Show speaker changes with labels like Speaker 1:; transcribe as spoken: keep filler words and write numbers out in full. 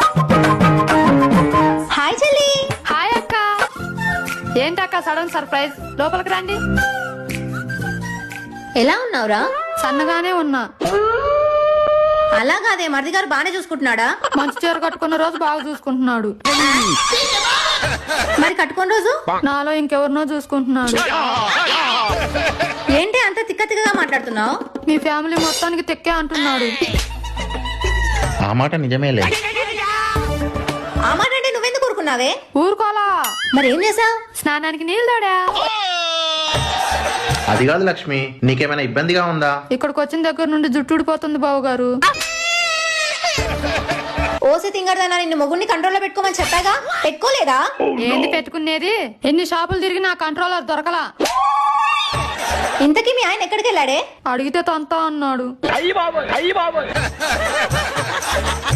Speaker 1: Hi చెల్లి.
Speaker 2: Hi అక్క. ఏంటక్క సడన్ సర్ప్రైజ్? లోపలికి రండి.
Speaker 1: ఎలా ఉన్నావురా?
Speaker 2: సన్నగానే ఉన్నా.
Speaker 1: అలా కాదే, మరిది గారు బానే చూసుకుంటున్నాడా?
Speaker 2: మంచి చీర కట్టుకున్న రోజు బాగా చూసుకుంటున్నాడు,
Speaker 1: మరి కట్టుకున్న రోజు
Speaker 2: నాలో ఇంకెవరినో చూసుకుంటున్నాడు.
Speaker 1: ఏంటి అంత తిక్క తిక్కగా మాట్లాడుతున్నావు?
Speaker 2: మీ ఫ్యామిలీ మొత్తానికి తెక్కే అంటున్నాడు.
Speaker 3: ఆ మాట నిజమేలే.
Speaker 1: ఆ మాట అంటే నువ్వెందుకు ఊరుకున్నావే?
Speaker 2: ఊరుకోలా.
Speaker 1: మరి ఏం చేసావు?
Speaker 2: స్నానానికి నీళ్ళు తోడా.
Speaker 3: అది కాదు లక్ష్మి, నీకేమైనా ఇబ్బందిగా ఉందా?
Speaker 2: ఇక్కడికి వచ్చిన దగ్గర నుండి జుట్టు ఊడిపోతుంది బావు గారు.
Speaker 1: ఓసి తింగరదన్నా, నిన్ను మొగుడిని కంట్రోల్లో పెట్టుకోమని చెప్పాగా, పెట్టుకోలేదా?
Speaker 2: ఏంది పెట్టుకునేది? ఎన్ని షాపులు తిరిగి నా కంట్రోలర్ దొరకలా.
Speaker 1: ఇంతకీ మీ ఆయన ఎక్కడికి వెళ్ళాడే?
Speaker 2: అడిగితే తంతా అన్నాడు.